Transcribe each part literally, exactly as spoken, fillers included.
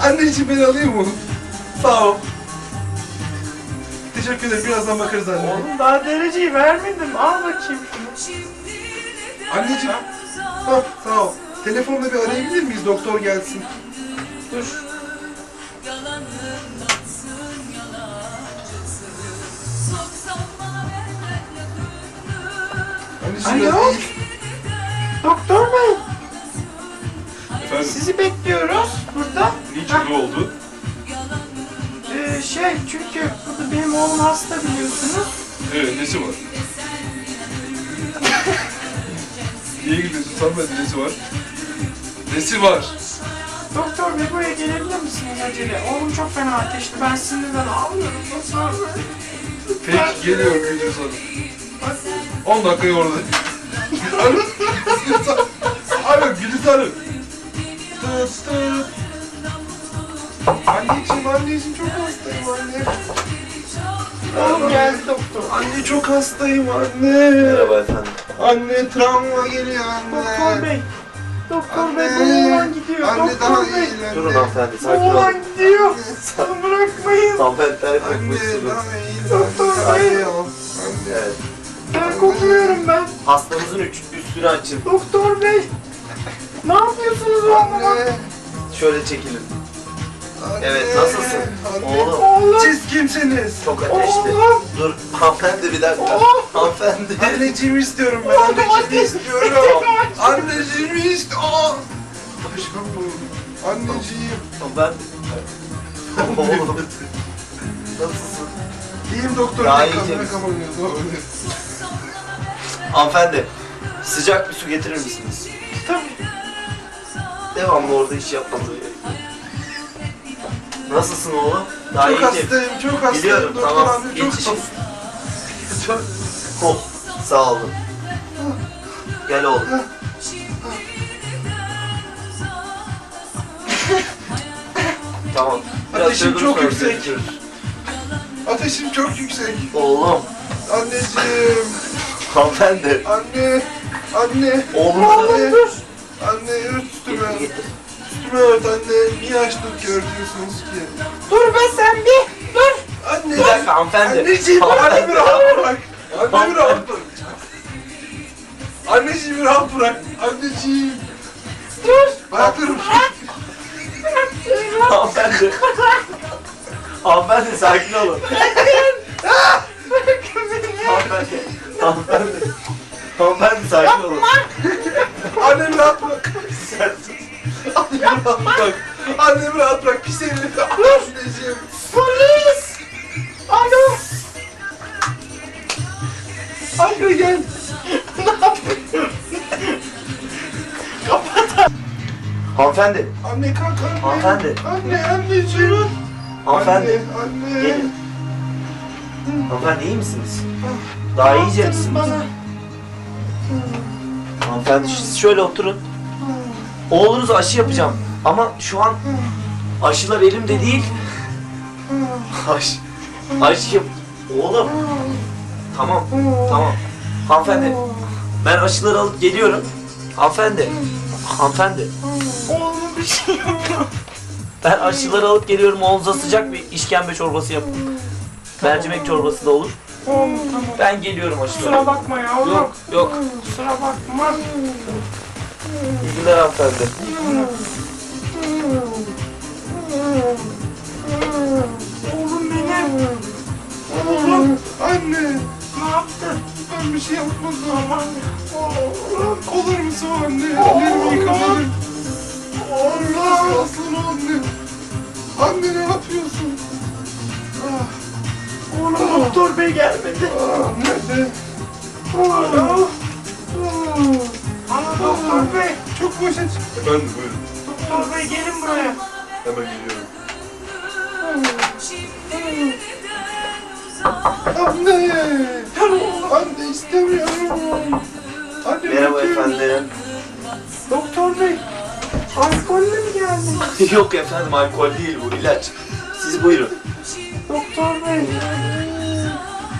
Anneciğim beni alayım mı? Sağ ol. Teşekkür ederim. Birazdan bakarız anne. Oğlum daha dereceyi vermedim. Al bakayım şunu. Anneciğim. Hah, sağ ol. Telefonla bir arayabilir miyiz? Doktor gelsin. Dur. Anneciğim Alo? biraz iyi. Doktor bey. Efendim? Sizi bekliyoruz burada. Niçin ne oldu? Ee, şey çünkü burada benim oğlum hasta biliyorsunuz. Evet, nesi var? Niye gülüyorsun? Sanmedi, nesi var? Nesi var? Doktor bey buraya gelebilir misiniz acele? Oğlum çok fena ateşli. Ben sinirden ağlıyorum. Doktor bey. Peki, geliyorum Gülcüz Hanım. on dakikaya orada. Alo, Gülcüz Hanım. Tıt tıt. Anneciğim, anneciğim çok hastayım anne. Oğlum geldi doktor. Anne çok hastayım anne. Merhaba efendim. Anne travma geliyor anne. Doktor bey. Doktor bey bu Anne. oğlan gidiyor. Anne daha Doktor iyi bey. anne. Durun hanımefendi, Bu sakin olun. oğlan gidiyor. Onu bırakmayın. Hanımefendiler Anne kokmuşsunuz. daha iyi. Doktor Anne, bey. anne, anne. Evet. Ben kokmuyorum ben. Hastanızın üç, üstünü açın. Doktor bey. Ne yapıyorsunuz oğluma? Anne. Şöyle çekilin. Anne. Evet, nasılsın? Anne. Oğlum. Oğlum. Siz kimsiniz? Çok ateşli. Oğlum. Dur hanımefendi bir dakika. Oğlum. Hanımefendi. Anneciğimi istiyorum ben. Oğlum, Anneciğimi ateş. istiyorum. Anneciğimi istiyorum. Başım bu. Anneciğim. Hanımefendi. Oğlum. Nasılsın? İyiyim doktor. Daha Daha iyi iyi misin? Hanımefendi. Sıcak bir su getirir misiniz? Tabii. Devamlı orada iş yapmamız gerekiyor. Nasılsın oğlum? Daha Çok iyi hastayım, çok hastayım. Biliyorum, doktor tamam. abi çok Geçişim. Çok... Oh, sağ olun. Gel oğlum. Tamam. Biraz Ateşim şöyle çok sonra yüksek. görüşürüz. Ateşim çok yüksek. Oğlum. Anneciğim. Hanımefendi. Anne. Anne. Oğlum. Anne. Anne ört üstüme. Getir getir. Üstüme ört anne. Niye açtın ki örtüyorsunuz ki? Dur be sen bir. Dur. Anne. Bir dakika hanımefendi. Anneciğim Hanımefendi. annemi rahat bırak. Annemi rahat bırak. Anneciğimi rahat bırak. Anneciğim. Dur. Ayaklarım. Hanımefendi. Hanımefendi sakin olun. Hanımefendi. Hanımefendi. Hanımefendi sakin olun. Annemi rahat bırak. Annemi rahat bırak. Annemi rahat bırak. Pis elini. Anneciğim. Polis. Alo. Anne gel. Hanımefendi. Anne kalk anne. Hanımefendi. Anne anneciğim. Hanımefendi. Anne. Anne. Gelin. Hanımefendi iyi misiniz? Daha iyice misiniz? Bana. Hanımefendi siz şöyle oturun. Oğlunuza aşı yapacağım. Ama şu an aşılar elimde değil. Aş, aşı yap... Oğlum. Tamam, tamam. Hanımefendi, ben aşıları alıp geliyorum. Hanımefendi, hanımefendi. Oğlum bir şey yok. Ben aşıları alıp geliyorum. Oğlunuza sıcak bir işkembe çorbası yapın. Mercimek çorbası da olur. Oğlum tamam. Ben geliyorum aşıları. Kusura bakma ya oğlum. Yok, yok. Kusura bakma. İyi günler hanımefendi. Oğlum benim. Oğlum. Anne. Ne yaptın? Ben bir şey yapmadım. Aman. Oğlum. Olur musun anne? Ellerimi yıkamadım. Allah. Aslan anne. Anne ne yapıyorsun? Ah. Oğlum doktor bey gelmedi. Ah, nerede? Oğlum. Ama doktor bey. Çok boşa çıktı. Efendim buyurun. Doktor bey gelin buraya. Hemen geliyorum. Anne! Anne istemiyorum. Anne Merhaba bakıyorum. efendim. Doktor bey. Alkolle mi geldin? Yok efendim, alkol değil bu, ilaç. Siz buyurun. Doktor bey.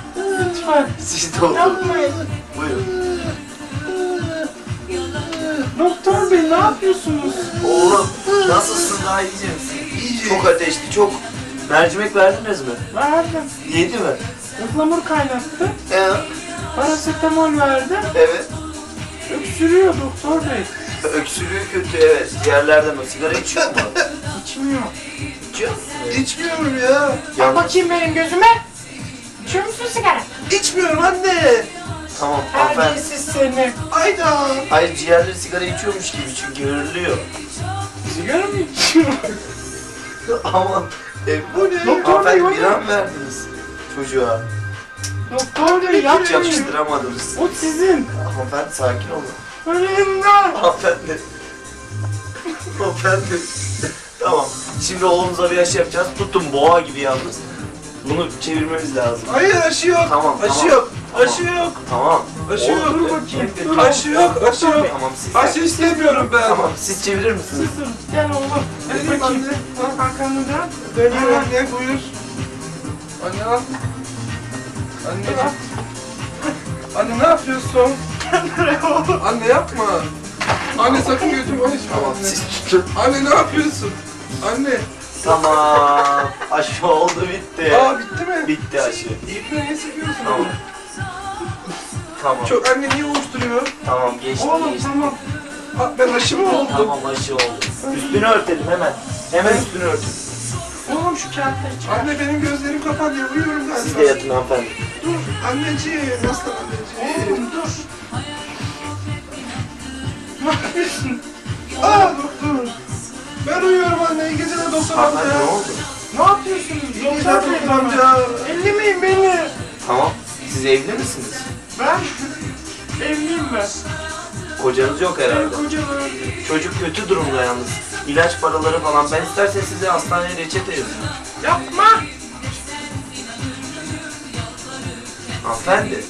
Lütfen. Siz de oturun. Yapmayın. Buyurun. Doktor bey ne yapıyorsunuz? Oğlum nasılsın, daha iyice misin? İyice. Çok ateşli, çok. Mercimek verdiniz mi? Verdim. Yedi mi? Ihlamur kaynattı. Ee, Parasetamol verdim. evet. Öksürüyor doktor bey. Öksürüğü kötü, evet. Diğerlerden o sigara içiyor mu? İçmiyor. İçiyor musun? İçmiyorum ya. Bak Yalnız- bakayım benim gözüme. İçiyor musun sigara? İçmiyorum anne. Tamam hanımefendi. Terbiyesiz seni. Ayda. Hayır, ciğerleri sigara içiyormuş gibi çünkü hırlıyor. Sigara mı içiyor? Aman. E, Bu ne? Doktor bey hanımefendi o bir ne? an verdiniz çocuğa. Doktor bey Hiç yapmayın. yakıştıramadınız. O sizin. Hanımefendi sakin olun. Ölümden. Hanımefendi. Hanımefendi. Tamam. Şimdi oğlumuza bir aşı yapacağız. Tutun boğa gibi yalnız. Bunu çevirmemiz lazım. Hayır aşı yok. Tamam, Aşı tamam. yok. Tamam. Aşı yok. Tamam. Aşı Oğlum, yok. Dur bakayım. Dur. Aşı yok. Aşı yok. Tamam siz. Aşı istemiyorum ben. Tamam siz çevirir misiniz? Dur. Gel oğlum. Hadi Vereyim bakayım. anne. Arkanı dön. Dönüyor Hemen. anne buyur. Anne al. Anneciğim. Anne ne yapıyorsun? Anne yapma. Anne sakın götürme açma Tamam anne. siz tutun. Anne ne yapıyorsun? Anne. Tamam. Aşı oldu, bitti. Aa bitti mi? Bitti aşı. İple ne sıkıyorsun? Tamam. Anne? Tamam. Çok anne niye uyuşturuyor? Tamam geçti Oğlum geçti. tamam. Aa, ben aşı mı oldum? Tamam aşı oldu. Üstünü örtelim hemen. Hemen üstünü örtün. Oğlum şu kağıtları çıkar. Anne benim gözlerim kapanıyor. Uyuyorum ben. Siz de yatın hanımefendi. Dur anneciğim. Nasıl anneciğim? Oğlum dur. Ne yapıyorsun? Aa doktor. Ben uyuyorum anne. İyi geceler doktor Hanımefendi ne amca. oldu? Ne yapıyorsunuz? İyi Doktor geceler bey doktor bana. amca. Ellemeyin beni. Tamam. Siz evli misiniz? Ben evliyim ben. Kocanız yok herhalde. Benim kocam öldü. Çocuk kötü durumda yalnız. İlaç paraları falan. Ben istersen size hastaneye reçete yazayım. Yapma. Hanımefendi.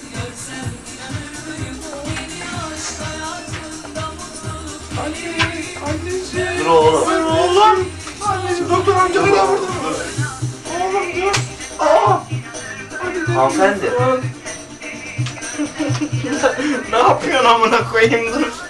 Anne. Anneciğim. Dur oğlum. Dur oğlum. Anneciğim doktor amca Dur bana oğlum, vurdu. dur. Oğlum dur. Aa. Hadi dur. Hanımefendi. Ne yapıyorsun amına koyayım dur.